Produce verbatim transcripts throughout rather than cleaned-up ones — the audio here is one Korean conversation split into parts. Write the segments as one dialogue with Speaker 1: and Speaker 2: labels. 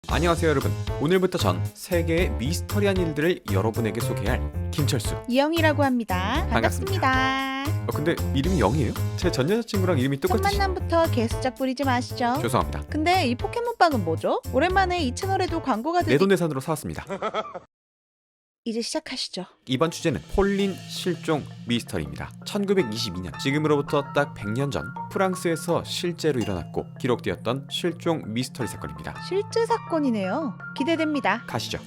Speaker 1: 안녕하세요 여러분. 오늘부터 전 세계의 미스터리한 일들을 여러분에게 소개할 김철수.
Speaker 2: 이영이라고 합니다.
Speaker 1: 반갑습니다.
Speaker 2: 반갑습니다.
Speaker 1: 어, 근데 이름이 영이에요? 제 전 여자친구랑 이름이
Speaker 2: 첫
Speaker 1: 똑같으시...
Speaker 2: 만남부터 개수작 부리지 마시죠.
Speaker 1: 죄송합니다.
Speaker 2: 근데 이 포켓몬빵은 뭐죠? 오랜만에 이 채널에도 광고가 들리...
Speaker 1: 내돈내산으로 사왔습니다.
Speaker 2: 이제 시작하시죠.
Speaker 1: 이번 주제는 폴린 실종 미스터리입니다. 천구백이십이 년, 지금으로부터 딱 백 년 전 프랑스에서 실제로 일어났고 기록되었던 실종 미스터리 사건입니다.
Speaker 2: 실제 사건이네요. 기대됩니다.
Speaker 1: 가시죠.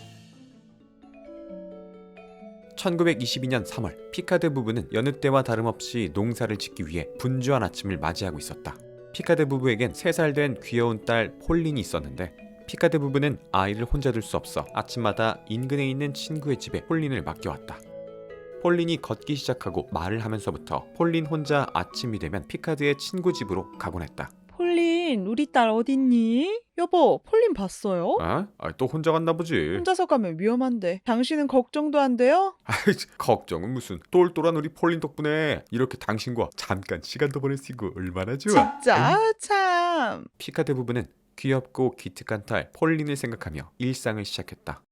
Speaker 1: 천구백이십이 년 삼월, 피카드 부부는 여느 때와 다름없이 농사를 짓기 위해 분주한 아침을 맞이하고 있었다. 피카드 부부에겐 세 살 된 귀여운 딸 폴린이 있었는데 피카드 부부는 아이를 혼자 둘 수 없어 아침마다 인근에 있는 친구의 집에 폴린을 맡겨왔다. 폴린이 걷기 시작하고 말을 하면서부터 폴린 혼자 아침이 되면 피카드의 친구 집으로 가곤 했다.
Speaker 2: 폴린, 우리 딸 어딨니? 여보, 폴린 봤어요?
Speaker 1: 어? 아, 또 혼자 갔나 보지.
Speaker 2: 혼자서 가면 위험한데 당신은 걱정도 안 돼요?
Speaker 1: 아이, 걱정은 무슨. 똘똘한 우리 폴린 덕분에 이렇게 당신과 잠깐 시간도 보낼 수 있고 얼마나 좋아.
Speaker 2: 진짜 아, 참.
Speaker 1: 피카드 부부는 귀엽고 기특한 딸 폴린을 생각하며 일상을 시작했다.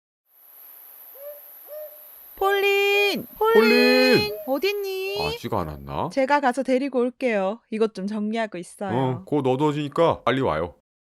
Speaker 2: 폴린, 폴린,
Speaker 1: 폴린!
Speaker 2: 어딨니?
Speaker 1: 아직 안 왔나?
Speaker 2: 제가 가서 데리고 올게요. 이것 좀 정리하고 있어요.
Speaker 1: 어, 곧 어두워지니까 빨리 와요.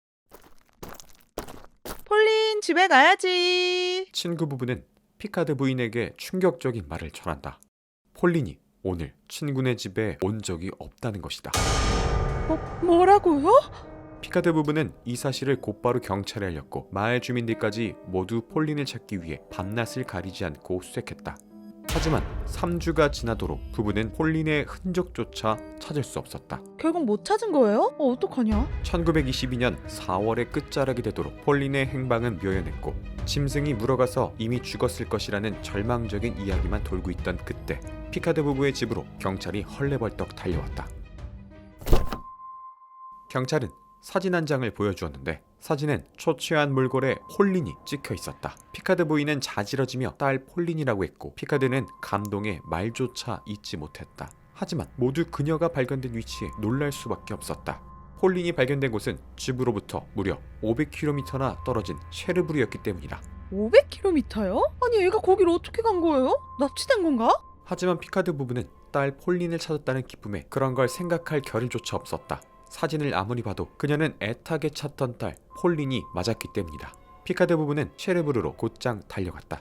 Speaker 2: 폴린, 집에 가야지.
Speaker 1: 친구 부부는 피카드 부인에게 충격적인 말을 전한다. 폴린이 오늘 친구네 집에 온 적이 없다는 것이다.
Speaker 2: 뭐, 뭐라고요?
Speaker 1: 피카드 부부는 이 사실을 곧바로 경찰에 알렸고 마을 주민들까지 모두 폴린을 찾기 위해 밤낮을 가리지 않고 수색했다. 하지만 삼 주가 지나도록 부부는 폴린의 흔적조차 찾을 수 없었다.
Speaker 2: 결국 못 찾은 거예요? 어, 어떡하냐?
Speaker 1: 천구백이십이 년 사월의 끝자락이 되도록 폴린의 행방은 묘연했고 짐승이 물어가서 이미 죽었을 것이라는 절망적인 이야기만 돌고 있던 그때 피카드 부부의 집으로 경찰이 헐레벌떡 달려왔다. 경찰은 사진 한 장을 보여주었는데 사진엔 초췌한 몰골에 폴린이 찍혀 있었다. 피카드 부인은 자지러지며 딸 폴린이라고 했고 피카드는 감동에 말조차 잇지 못했다. 하지만 모두 그녀가 발견된 위치에 놀랄 수밖에 없었다. 폴린이 발견된 곳은 집으로부터 무려 오백 킬로미터나 떨어진 쉐르브르였기 때문이다.
Speaker 2: 오백 킬로미터요? 아니 얘가 거길 어떻게 간 거예요? 납치된 건가?
Speaker 1: 하지만 피카드 부부는 딸 폴린을 찾았다는 기쁨에 그런 걸 생각할 겨를조차 없었다. 사진을 아무리 봐도 그녀는 애타게 찾던 딸 폴린이 맞았기 때문이다. 피카드 부부는 쉐르브르로 곧장 달려갔다.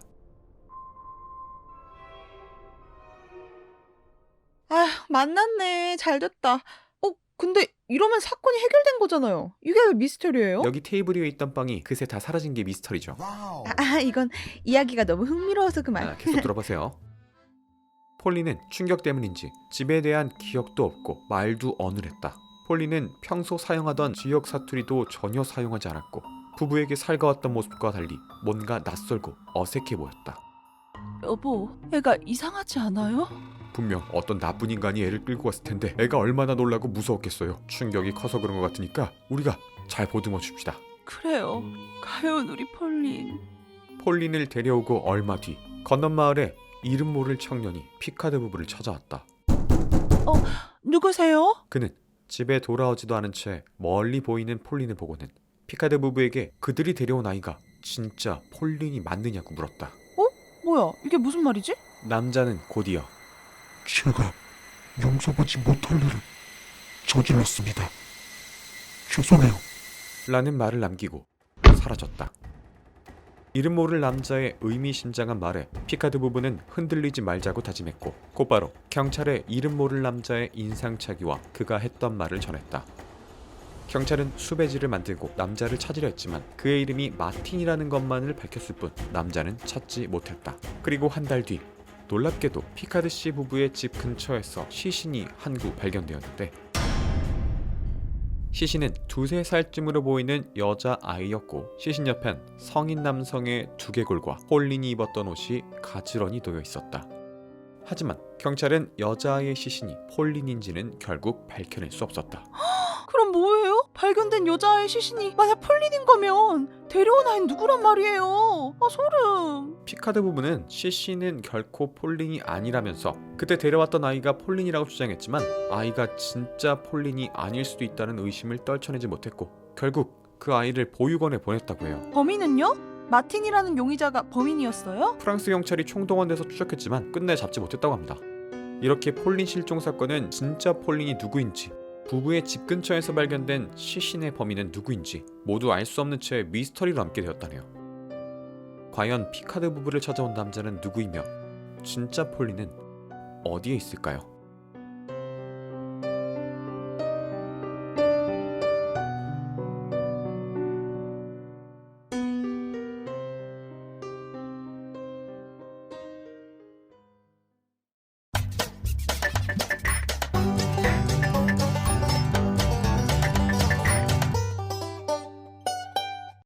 Speaker 2: 아, 만났네. 잘 됐다. 어, 근데 이러면 사건이 해결된 거잖아요. 이게 왜 미스터리예요?
Speaker 1: 여기 테이블 위에 있던 빵이 그새 다 사라진 게 미스터리죠.
Speaker 2: 아, 아, 이건 이야기가 너무 흥미로워서 그만.
Speaker 1: 아, 계속 들어보세요. 폴린은 충격 때문인지 집에 대한 기억도 없고 말도 어눌했다. 폴린은 평소 사용하던 지역 사투리도 전혀 사용하지 않았고 부부에게 살가웠던 모습과 달리 뭔가 낯설고 어색해 보였다.
Speaker 2: 여보, 애가 이상하지 않아요?
Speaker 1: 분명 어떤 나쁜 인간이 애를 끌고 왔을 텐데 애가 얼마나 놀라고 무서웠겠어요. 충격이 커서 그런 것 같으니까 우리가 잘 보듬어 줍시다.
Speaker 2: 그래요. 가요, 우리 폴린.
Speaker 1: 폴린을 데려오고 얼마 뒤 건넌 마을에 이름 모를 청년이 피카드 부부를 찾아왔다.
Speaker 2: 어, 누구세요?
Speaker 1: 그는 집에 돌아오지도 않은 채 멀리 보이는 폴린을 보고는 피카드 부부에게 그들이 데려온 아이가 진짜 폴린이 맞느냐고 물었다.
Speaker 2: 뭐야, 이게 무슨 말이지?
Speaker 1: 남자는 곧이어
Speaker 3: 제가 용서받지 못할 일을 저질렀습니다. 죄송해요.
Speaker 1: 라는 말을 남기고 사라졌다. 이름 모를 남자의 의미심장한 말에 피카드 부부는 흔들리지 말자고 다짐했고 곧바로 경찰에 이름 모를 남자의 인상착의와 그가 했던 말을 전했다. 경찰은 수배지를 만들고 남자를 찾으려 했지만 그의 이름이 마틴이라는 것만을 밝혔을 뿐 남자는 찾지 못했다. 그리고 한 달 뒤 놀랍게도 피카드 씨 부부의 집 근처에서 시신이 한 구 발견되었는데 시신은 두세 살쯤으로 보이는 여자아이였고 시신 옆엔 성인 남성의 두개골과 폴린이 입었던 옷이 가지런히 놓여 있었다. 하지만 경찰은 여자아이의 시신이 폴린인지는 결국 밝혀낼 수 없었다.
Speaker 2: 그럼 뭐예요? 발견된 여자의 시신이 만약 폴린인 거면 데려온 아이는 누구란 말이에요? 아, 소름.
Speaker 1: 피카드 부부는 시신은 결코 폴린이 아니라면서 그때 데려왔던 아이가 폴린이라고 주장했지만 아이가 진짜 폴린이 아닐 수도 있다는 의심을 떨쳐내지 못했고 결국 그 아이를 보육원에 보냈다고 해요.
Speaker 2: 범인은요? 마틴이라는 용의자가 범인이었어요?
Speaker 1: 프랑스 경찰이 총동원돼서 추적했지만 끝내 잡지 못했다고 합니다. 이렇게 폴린 실종 사건은 진짜 폴린이 누구인지, 부부의 집 근처에서 발견된 시신의 범인은 누구인지 모두 알 수 없는 채 미스터리로 남게 되었다네요. 과연 피카드 부부를 찾아온 남자는 누구이며 진짜 폴린은 어디에 있을까요?